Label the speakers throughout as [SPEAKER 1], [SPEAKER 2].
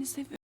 [SPEAKER 1] seviyorum.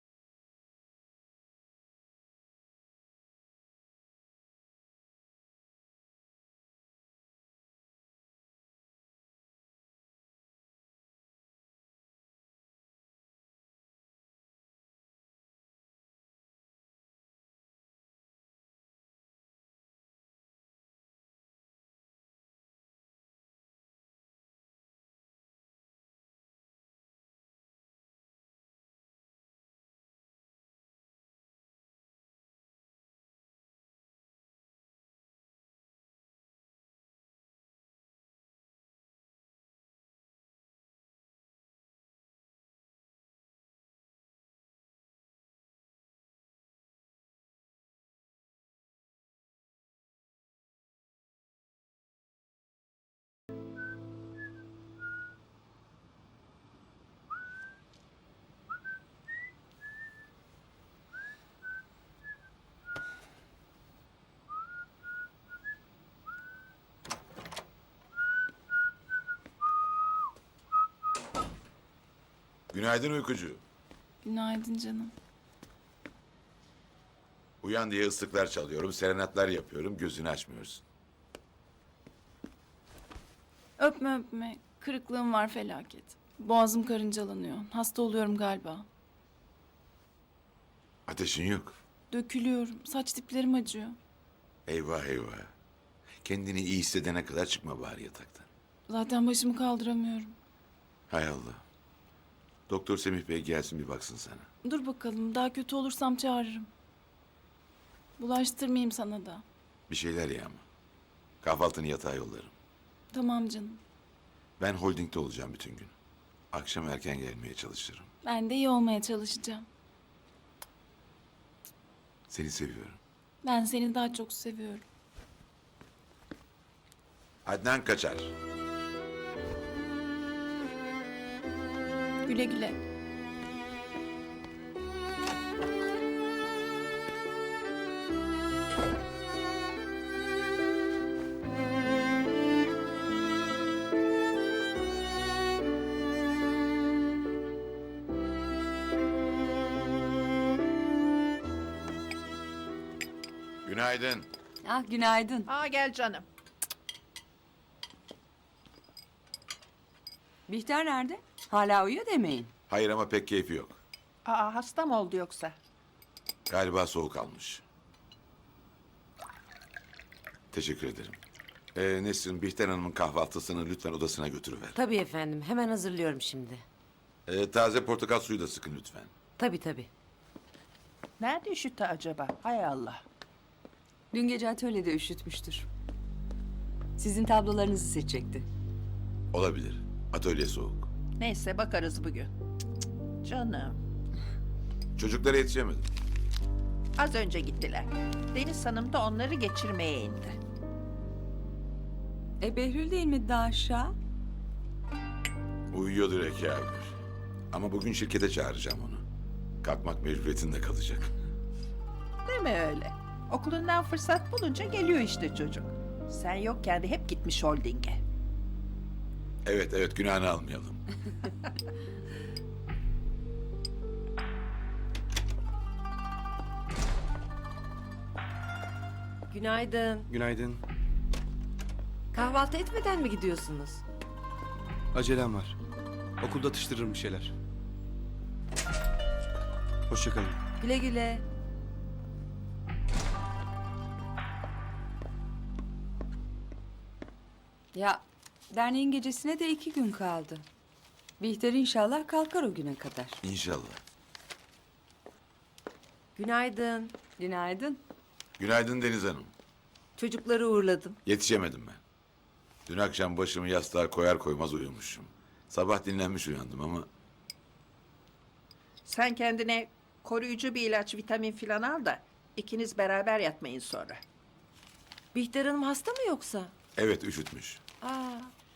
[SPEAKER 2] Günaydın uykucu.
[SPEAKER 1] Günaydın canım.
[SPEAKER 2] Uyan diye ıslıklar çalıyorum, serenatlar yapıyorum, gözünü açmıyorsun.
[SPEAKER 1] Öpme öpme. Kırıklığım var felaket. Boğazım karıncalanıyor. Hasta oluyorum galiba.
[SPEAKER 2] Ateşin yok.
[SPEAKER 1] Dökülüyorum. Saç diplerim acıyor.
[SPEAKER 2] Eyvah eyvah. Kendini iyi hissedene kadar çıkma bari yataktan.
[SPEAKER 1] Zaten başımı kaldıramıyorum.
[SPEAKER 2] Hay Allah. Doktor Semih Bey gelsin bir baksın sana.
[SPEAKER 1] Dur bakalım. Daha kötü olursam çağırırım. Bulaştırmayayım sana da.
[SPEAKER 2] Bir şeyler ye ama. Kahvaltını yatağa yollarım.
[SPEAKER 1] Tamam canım.
[SPEAKER 2] Ben holdingde olacağım bütün gün. Akşam erken gelmeye çalışırım.
[SPEAKER 1] Ben de iyi olmaya çalışacağım.
[SPEAKER 2] Seni seviyorum.
[SPEAKER 1] Ben seni daha çok seviyorum.
[SPEAKER 2] Adnan Kaçar.
[SPEAKER 1] Güle güle.
[SPEAKER 2] Günaydın.
[SPEAKER 3] Ah günaydın.
[SPEAKER 4] Aa gel canım.
[SPEAKER 3] Bihter nerede? Hala uyuyor demeyin.
[SPEAKER 2] Hayır ama pek keyfi yok.
[SPEAKER 4] Aa hasta mı oldu yoksa?
[SPEAKER 2] Galiba soğuk almış. Teşekkür ederim. Nesrin, Bihter Hanım'ın kahvaltısını lütfen odasına götürüver.
[SPEAKER 5] Tabii efendim. Hemen hazırlıyorum şimdi.
[SPEAKER 2] Taze portakal suyu da sıkın lütfen.
[SPEAKER 5] Tabii tabii.
[SPEAKER 4] Nerede üşüttü acaba? Hay Allah.
[SPEAKER 3] Dün gece atölyede üşütmüştür. Sizin tablolarınızı seçecekti.
[SPEAKER 2] Olabilir. Atölye soğuk.
[SPEAKER 4] Neyse bakarız bugün. Cık, cık, canım.
[SPEAKER 2] Çocuklara yetişemedim.
[SPEAKER 4] Az önce gittiler. Deniz Hanım da onları geçirmeye indi.
[SPEAKER 3] Behlül değil mi daha aşağı?
[SPEAKER 2] Uyuyordur Ekâgür. Ama bugün şirkete çağıracağım onu. Kalkmak mecburiyetinde kalacak.
[SPEAKER 4] Deme öyle. Okulundan fırsat bulunca geliyor işte çocuk. Sen yokken de hep gitmiş holdinge.
[SPEAKER 2] Evet evet, günahını almayalım.
[SPEAKER 5] Günaydın.
[SPEAKER 6] Günaydın.
[SPEAKER 5] Kahvaltı etmeden mi gidiyorsunuz?
[SPEAKER 6] Acelem var. Okulda atıştırırım bir şeyler. Hoşça kalın.
[SPEAKER 5] Güle güle.
[SPEAKER 3] Ya derneğin gecesine de 2 gün kaldı. Bihter inşallah kalkar o güne kadar.
[SPEAKER 2] İnşallah.
[SPEAKER 5] Günaydın.
[SPEAKER 3] Günaydın.
[SPEAKER 2] Günaydın Deniz Hanım.
[SPEAKER 5] Çocukları uğurladım.
[SPEAKER 2] Yetişemedim ben. Dün akşam başımı yastığa koyar koymaz uyumuşum. Sabah dinlenmiş uyandım ama
[SPEAKER 4] Sen kendine koruyucu bir ilaç, vitamin filan al da ikiniz beraber yatmayın sonra.
[SPEAKER 5] Bihter Hanım hasta mı yoksa?
[SPEAKER 2] evet üşütmüş.
[SPEAKER 5] Aa,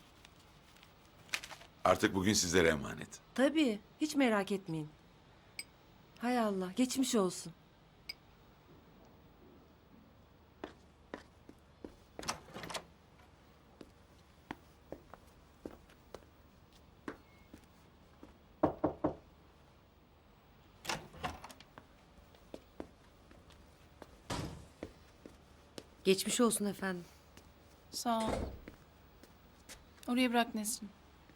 [SPEAKER 2] Artık bugün sizlere emanet.
[SPEAKER 5] tabii. Hiç merak etmeyin. Hay Allah. Geçmiş olsun. Geçmiş olsun efendim.
[SPEAKER 1] Sağ ol. Oraya bırak Nesrin.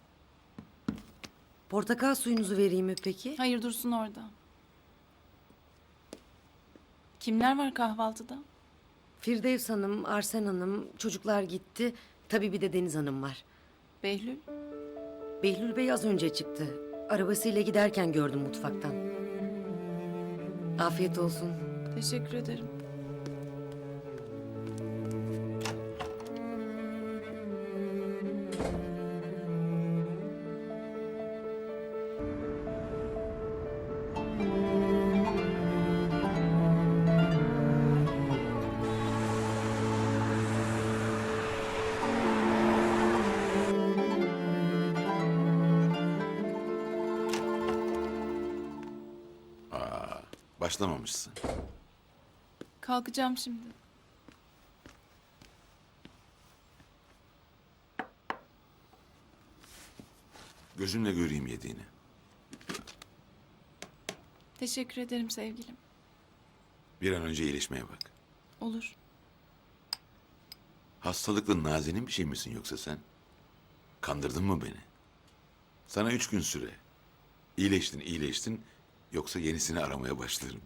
[SPEAKER 5] Portakal suyunuzu vereyim mi peki?
[SPEAKER 1] Hayır, dursun orada. Kimler var kahvaltıda?
[SPEAKER 5] Firdevs Hanım, Arsen Hanım, çocuklar gitti. Tabii bir de Deniz Hanım var.
[SPEAKER 1] Behlül.
[SPEAKER 5] Behlül Bey az önce çıktı. Arabasıyla giderken gördüm mutfaktan. Afiyet olsun.
[SPEAKER 1] Teşekkür ederim.
[SPEAKER 2] Başlamamışsın.
[SPEAKER 1] Kalkacağım şimdi.
[SPEAKER 2] Gözümle göreyim yediğini.
[SPEAKER 1] Teşekkür ederim sevgilim.
[SPEAKER 2] Bir an önce iyileşmeye bak.
[SPEAKER 1] Olur.
[SPEAKER 2] Hastalıklı nazenin bir şey misin yoksa sen? Kandırdın mı beni? Sana 3 gün süre. İyileştin. Yoksa yenisini aramaya başlarım.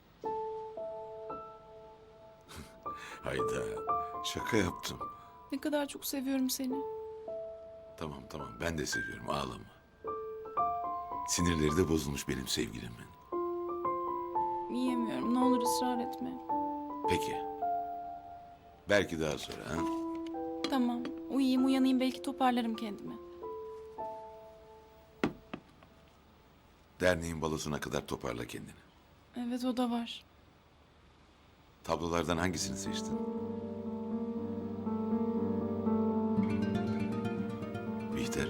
[SPEAKER 2] Hayda. Şaka yaptım.
[SPEAKER 1] Ne kadar çok seviyorum seni.
[SPEAKER 2] Tamam ben de seviyorum, ağlama. Sinirleri de bozulmuş benim sevgilimin.
[SPEAKER 1] Yiyemiyorum. Ne olur ısrar etme.
[SPEAKER 2] Peki. Belki daha sonra ha?
[SPEAKER 1] Tamam. Uyuyayım uyanayım belki toparlarım kendimi.
[SPEAKER 2] Derneğin balosuna kadar toparla kendini.
[SPEAKER 1] Evet o da var.
[SPEAKER 2] Tablolardan hangisini seçtin? Bihter.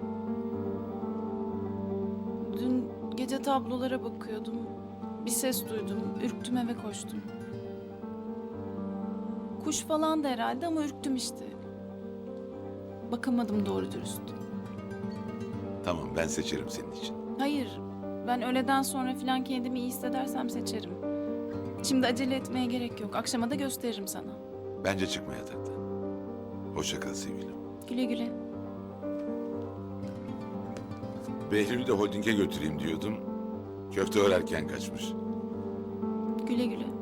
[SPEAKER 1] Dün gece tablolara bakıyordum. Bir ses duydum. Ürktüm eve koştum. Kuş falan da herhalde ama ürktüm işte. Bakamadım doğru dürüst.
[SPEAKER 2] Tamam, ben seçerim senin için.
[SPEAKER 1] Hayır. Ben öğleden sonra falan kendimi iyi hissedersem seçerim. Şimdi acele etmeye gerek yok. Akşama da gösteririm sana.
[SPEAKER 2] Bence çıkma yataktan. Hoşça kal sevgilim.
[SPEAKER 1] Güle güle.
[SPEAKER 2] Behlül'ü de holdinge götüreyim diyordum. Köfte örerken kaçmış.
[SPEAKER 1] Güle güle.